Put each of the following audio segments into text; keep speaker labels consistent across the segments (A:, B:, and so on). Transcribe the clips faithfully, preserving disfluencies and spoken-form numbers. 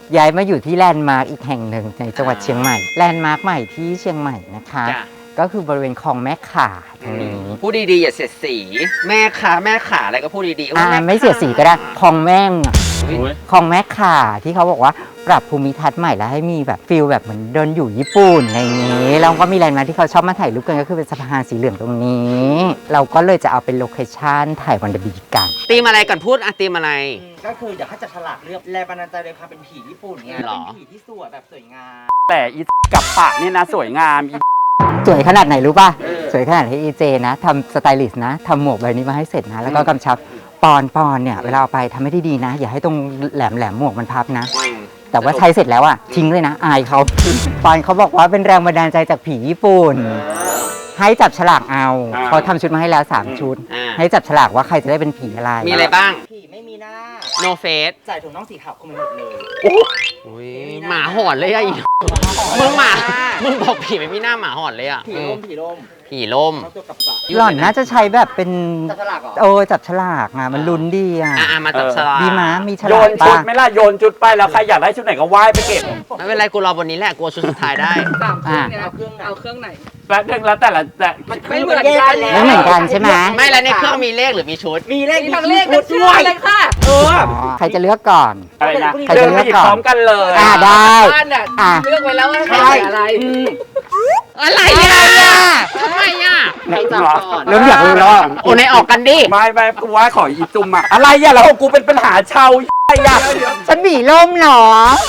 A: ย้ายมาอยู่ที่แลนด์มาร์กอีกแห่งหนึ่งในจังหวัดเชียงใหม่แลนด์มาร์กใหม่ที่เชียงใหม่นะคะก็คือบริเวณคลองแม่ข่าตรงนี้
B: พูดดีๆอย่าเสียดสีแม่ขาแม่ขาอะไรก็พูดดีๆ
A: อ่าไม่เสียสีก็ได้คลองแม่งคลองแม่ข่าที่เขาบอกว่าปรับภูมิทัศน์ใหม่แล้วให้มีแบบฟิลแบบเหมือนเดินอยู่ญี่ปุ่นอะไรอย่างนี้แล้วก็มีแลนด์มาร์คที่เขาชอบมาถ่ายรูปกันก็คือเป็นสะพานสีเหลืองตรงนี้ เราก็เลยจะเอาเป็นโลเคชั่นถ่ายวันเดอร์บีกัน
B: ตีมอะไรก่อนพูดอะตีมอะไร
C: ก็คืออยากให้จับฉลากเลือกแรงบันดาลใจเลยค่ะเป็นผีญี่ปุ่นไงเป็นผีที่สวยแบบสวยงาม
D: แต่อีกับปะนี่นะสวยงามอี
A: สวยขนาดไหนรู้ป่ะสวยขนาดให้อีเจนะทำสไตลิสต์นะทำหมวกใบนี้มาให้เสร็จนะแล้วก็กำชับปอนปอนเนี่ยเวลาเอาไปทำให้ดีๆนะอย่าให้ตรงแหลมแหลมหมวกมันพับนะแต่ว่าใช้เสร็จแล้วอ่ะทิ้งเลยนะอายเขาปอนเขาบอกว่าเป็นแรงบันดาลใจจากผีญี่ปุ่นให้จับฉลากเอาเขาทำชุดมาให้แล้วสามชุดให้จับฉลากว่าใครจะได้เป็นผีอะไร
B: มีอะไรบ้าง
C: ผีไม่มีหน้า
B: no face
C: ใส่ถุงน่องสีขาวคุมไปหมดเลย
B: โอ้ยหมาหอนเลยอะอีมึงหมามึงบอกผีไม่มีหน้าหมาหอนเลยอะ
C: ผีล่มผีล่ม
B: ผีล่ม
A: หล่อนน่าจะใช้แบบเป็น
C: จับฉลากเหรอ
A: โอ้จับฉลากอ่ะมันลุ้นดีอ่ะ
B: อ่ะมาจับฉลาก
A: ดีม้ามีฉลาก
D: โยนชุดไหมล่ะโยนชุดไปแล้วใครอยากได้ชุดไหนก็ว่ายไปเก็บ
B: ไม่เป็นไรกูรอบนนี้แหละกูชุดสุดท้ายได้
E: สามเครื่องเนี่ยเอาเครื่องเอาเครื่องไหน
D: แล้วเรื่องแล้วแต่ละแต่
E: ไม่เหมือนกัน
A: ไม่เหมือนกันใช่ไหม
B: ไม่แล้วในเครื่องมีเลขหรือมีชุด
C: มีเลข
E: มีทั้งเลขกับชื่อเลยค่ะ
C: เออ
A: ใครจะเลือกก่อน
D: อะไรนะ
A: ใครจะเลือกก่อน
D: พร้อมกันเลย
A: อ่าได้
E: บ้านอ่ะเลือกไว้แล้วว่าใครอะไร
B: อะไรอ่ะทำไมอ่ะ
C: ใครจับก่อน
A: เริ่มอยากรู้แล้ว
B: โอ้ในออกกันดิ
D: ไม่ไม่กูว่าขออีจุ่มอะอะไรอ่ะแล้วกูเป็นปัญหาชาวไอ้ยะ
A: ฉันบีล่มหรอ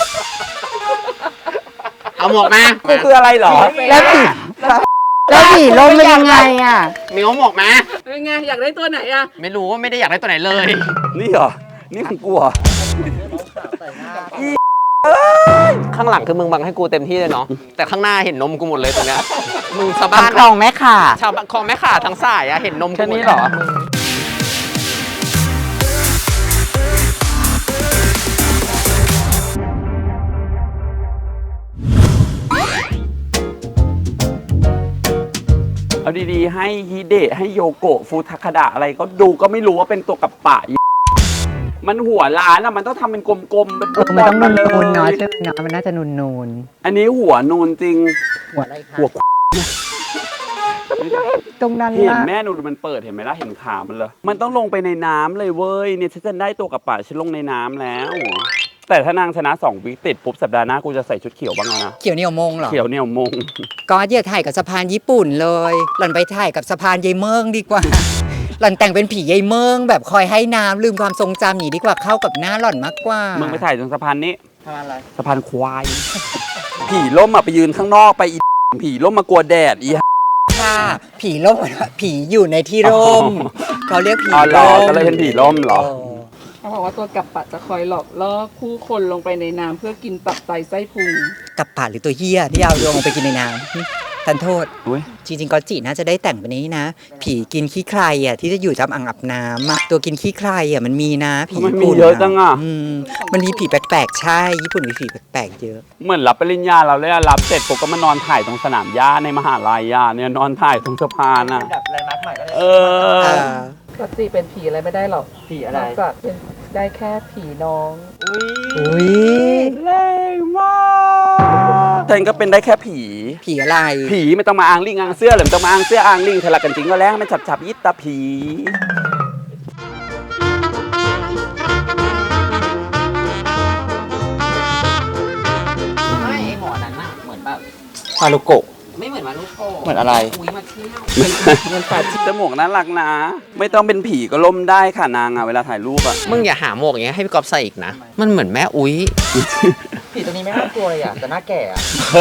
B: เอาหมวกมา
D: กูคืออะไรหรอ
A: แล้วบีแล้วบีล่มเป็นยังไงอ่ะ
B: มีหมวกมา
E: เป็นไงอยากได้ตัวไหนอ่ะ
B: ไม่รู้ว่าไม่ได้อยากได้ตัวไหนเลย
D: นี่เหรอนี่ของกูเหรอ
B: ข้างหลังคือมึงบังให้กูเต็มที่เลยเนาะแต่ข้างหน้าเห็นนมกูหมดเลยตรงเนี้ยมึงชาวบ้าน
A: คลองแม่ข่า
B: ชาวคลองแม่ข่าทั้งสายอะเห็นนม
D: แค่นี้เหรอเอาดีๆให้ฮิเดะให้โยโกะฟูทาคาดะอะไรก็ดูก็ไม่รู้ว่าเป็นตัวกับปะมันหัวล้านอะมันต้องทำเป็นกลมๆเป็น
A: มันต้องนูนๆเนาะใช่ไหมเนาะมันน่าจะนูน
D: ๆอันนี้หัวนูนจริง
A: หัวอะไรคะ
D: หัว
A: ตรงนั้น
D: เห็นแม่นูนมันเปิดเห็นไหมล่ะเห็นขามันเลยมันต้องลงไปในน้ำเลยเว้ยเนี่ยฉันจะได้ตัวกับปะฉันลงในน้ำแล้วแต่ถ้านางชนะสองวิติดปุ๊บสัปดาห์หน้ากูจะใส่ชุดเขียวบ้างนะ
A: เขียวเหนียวมงเหรอ
D: เขียวเหนียวมง
A: ก็อย่าถ่ายกับสะพานญี่ปุ่นเลยหล่อนไปถ่ายกับสะพานยายเมืองดีกว่าหล่อนแต่งเป็นผียายเมืองแบบคอยให้น้ำลืมความทรงจำหนีดีกว่าเข้ากับหน้าหล่อนมากกว่า
D: มึงไปถ่ายตรงสะพานนี้
C: สะพานอะไร
D: สะพานควายผีล่มอ่ะไปยืนข้างนอกไปอีผีล่มมากลัวแดดอี
A: ค่ะผีล่มผีอยู่ในที่ร่มเขาเรียกผี
D: ล่มก็เลยเป็นผีล่มเหรอ
E: เขาบอกว่าตัวกับปะจะคอยหลอกล่อคู่คนลงไปในน้ำเพื่อกินตับไตไส้พุง
A: กับปะหรือตัวเหี้ยที่เอาลงไปกินในน้ำทันโทษจริงๆก็จีน่าจะได้แต่งแบบนี้นะผีกินขี้ใครอ่ะที่จะอยู่ตามอ่างอาบน้ำอ่ะตัวกินขี้ใครอ่ะมันมีนะผี
D: ญี่ปุ่นเยอะจังอ่ะ
A: มันมีผีแปลกๆใช่ญี่ปุ่นมีผีแปลกๆเยอะ
D: เหมือนรับปริญญาเราเลยรับเสร็จปุ๊บก็มานอนถ่ายตรงสนามหญ้าในมหาลัยอ่ะเนี่ยนอนถ่ายตรงสะพานอ่ะ
C: แบบแลนด์มาร์คใหม่ก็ได้
D: เออ
E: ปกติเป็นผีอะไรไม่ได้หรอก
C: ผีอะไร
E: ก็เป็นได้แค่ผีน้อง
A: อุ้ย
D: แรงมากฉันก็เป็นได้แค่ผี
A: ผีอะไร
D: ผีไม่ต้องมาอ้างลิงอ้างเสื้อหรือไม่ต้องมาอ้างเสื้ออ้างลิงเธอละกันจริงก็แล้วไม่จับจับยิตตาผี
B: ไม่ไอหมอนั้นน่ะเหมือนแบบ
D: ฮารุโกะ
B: ไม่เหมือนมารุโกะ
D: เหมือนอะไร
B: คุยมาเที่ยว
D: มันปัดจมูกน่ารักนะไม่ต้องเป็นผีก็ล่มได้ค่ะนางอ่ะเวลาถ่ายรูปอ่ะ
B: มึงอย่าหาหมวกอย่างเงี้ยให้พี่ก๊อฟใส่อีกนะมันเหมือนแม่อุ้ย
C: ผีตัวนี้ไม่น่ากลัวเลยอ่ะแต่น่าแก่อ่ะ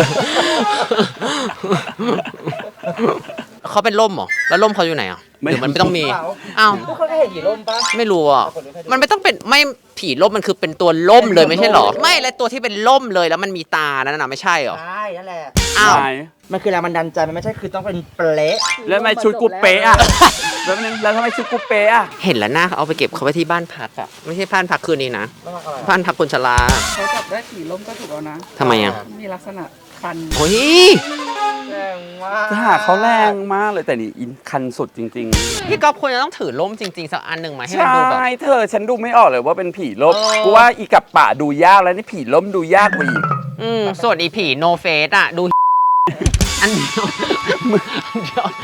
B: เขาเป็นล่มเหรอแล้วล่มเขาอยู่ไหนอ่ะหรือมันไม่ต้องมี
C: อ้าวพวกเขาได้เห็นผีล่มปะ
B: ไม่รู้อ่ะมันไม่ต้องเป็นไม่ผีล่มมันคือเป็นตัวล่มเลยไม่ใช่หรอไม่แล้วตัวที่เป็นล่มเลยแล้วมันมีตานั่นน่ะไม่ใช่หรอ
C: ใช่นั่นแหละ
B: อ้าว
C: มันคือแรงบันดาลใจมันไม่ใช่คือต้องเป็นเปรย์
D: แล้วทำไมชุดกูเป๊ะอะแล้วมันแล้วทำไมชุดกูเป๊ะอะ
B: เห็นแล้วหน้าเขาเอาไปเก็บเขาไว้ที่บ้านพักอะไม่ใช่บ้านพักคืนนี้นะ บ้านพักคนชรา
E: เขาจับได้ผีล้มก็ถูกแล้วนะ
B: ทำไมอะ
E: มีลักษณะคัน
B: โอ้ย
C: แรงมาก
D: จะหาเขาแรงมากเลยแต่นี่อินคันสุดจริง
B: พี่ก๊อฟควรจะต้องถือล่มจริงๆสักอันหนึ่งไหม
D: ๆ
B: ให้มันดูแบบ
D: ใช่เธอฉันดูไม่ออกเลยว่าเป็นผีลบ
B: เออ
D: กูว่าอีกับปะดูยากแล้วนี่ผีล้มดูยากกว่าอีก
B: อืมส่วนอีผีโนเฟสอะดู อันเดียวอันเดียว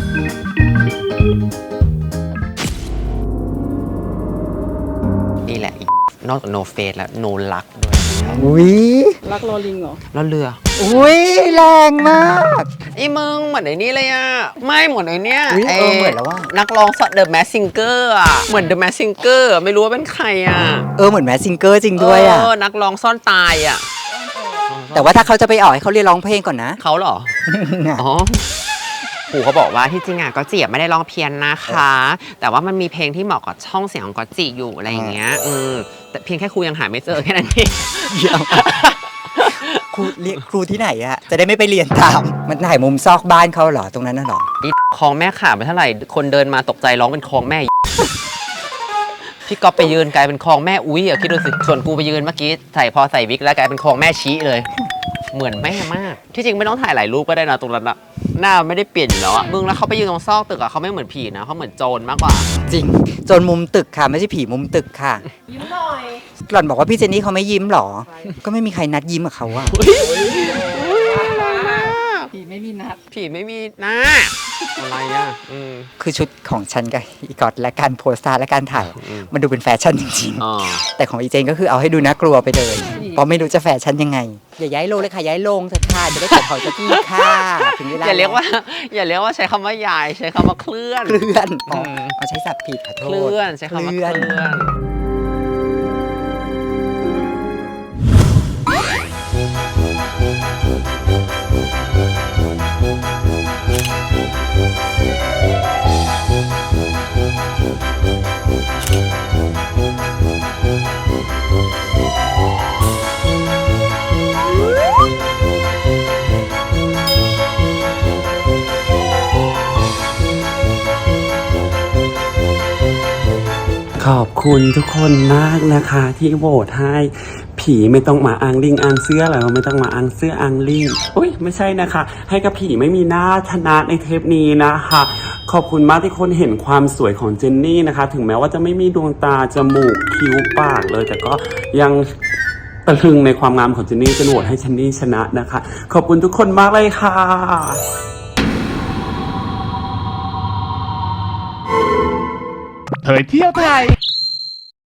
B: นี่แหละอีนอกจากโนเฟสแล้วโนลักด้วย
A: อุ้ย
E: รักรอลิงเหรอ
B: แล้วเรือ
A: อุ้ยแรงมาก
B: ไอ้มึงเหมือนไอ้นี่เลยอะไม่เหมือนไอ้เนี้ย
A: อุ๊ยเออเหมือนแล้วว่ะ
B: นักร้องเดอะแมสซิงเกอร์อะเหมือนเดอะแมสซิงเกอร์ไม่รู้ว่าเป็นใครอะ
A: เออเหมือนแมสซิงเกอร์จริงด้วยอ่ะ
B: เออนักร้องซ่อนตายอะ
A: แต่ว่าถ้าเขาจะไปออกให้เขาเรียนร้องเพลงก่อนนะ
B: เขาเหรอ อ๋อปู่เขาบอกว่าที่จริงอ่ะก็จีไม่ได้ร้องเพี้ยนนะคะ แต่ว่ามันมีเพลงที่เหมาะกับช่องเสียงของก็จีอยู่อะไรอย่างเงี้ยเออแต่เพียงแค่ครูยังหาไม่เจอแค่นั้นเอง
A: เดี๋ยว ครูเรียนครูที่ไหนอะจะได้ไม่ไปเรียนตาม มันถ่ายมุมซอกบ้านเขาเหรอตรงนั้นน่ะเหรอ
B: อีคลองแม่ขาดไปเท่าไหร่คนเดินมาตกใจร้องเป็นคลองแม่ พี่ก๊อฟไปยืนกลายเป็นคลองแม่อุ้ยอ่ะคิดดูสิส่วนกูไปยืนเมื่อกี้ใส่พอใส่วิกแล้วกลายเป็นคลองแม่ชี้เลย เหมือนแม่มากที่จริงไม่ต้องถ่ายหลายรูปก็ได้นะตรงนั้นอะหน้าไม่ได้เปลี่ยนอยู่แล้วอะมึงแล้วเขาไปยืนตรงซอกตึกอะเขาไม่เหมือนผีนะเขาเหมือนโจรมากกว่า
A: จริงจนมุมตึกค่ะ ไม่ใช่ผีมุมตึกค่ะ ยิ้มหน่อยหล่อนบอกว่าพี่เจนนี่เขาไม่ยิ้มหรอ ก็ไม่มีใครนัดยิ้มกับเขาอะ
E: ผีไม่มีนัด
B: ผีไม่มีหน้าอะไรอ่ะอืม
A: คือชุดของฉันกับอีกอตและการโพสต์ท่าและการถ่าย
B: อืม
A: มันดูเป็นแฟชั่นจริง
B: อ๋อ
A: ๆ แต่ของอีเจนก็คือเอาให้ดูน่ากลัวไปเลย เพราะไม่รู้จะแฟชั่นยังไง อย่าย้ายโลงเลยค่ะย้ายโลงเถอะค่ะจะได้ขอถอยสักทีค่ะถึงเวลา
B: อย่าเรียกว่า อย่าเรียกว่าใช้คำว่ายายใช้คำว่าเคลื่อน
A: เคลื่อนอ๋อ
B: ม
A: เอาใช้ศัพท์ผิดขอโท
B: เค
A: ษ
B: ลื่อนใช้คำว่าเคลื่อน
D: ขอบคุณทุกคนมากนะคะที่โหวตให้ผีไม่ต้องมาอังลิงอังเสื้อหรอไม่ต้องมาอังเสื้ออังลิงอุ้ยไม่ใช่นะคะ ให้กับผีไม่มีหน้าชนะในเทปนี้นะคะ ขอบคุณมากที่คนเห็นความสวยของเจนนี่นะคะ ถึงแม้ว่าจะไม่มีดวงตาจมูกคิ้วปากเลย แต่ก็ยังตะลึงในความงามของเจนนี่จนโหวตให้เจนนี่ชนะนะคะ ขอบคุณทุกคนมากเลยค่ะ
F: เผยเที่ยวไทย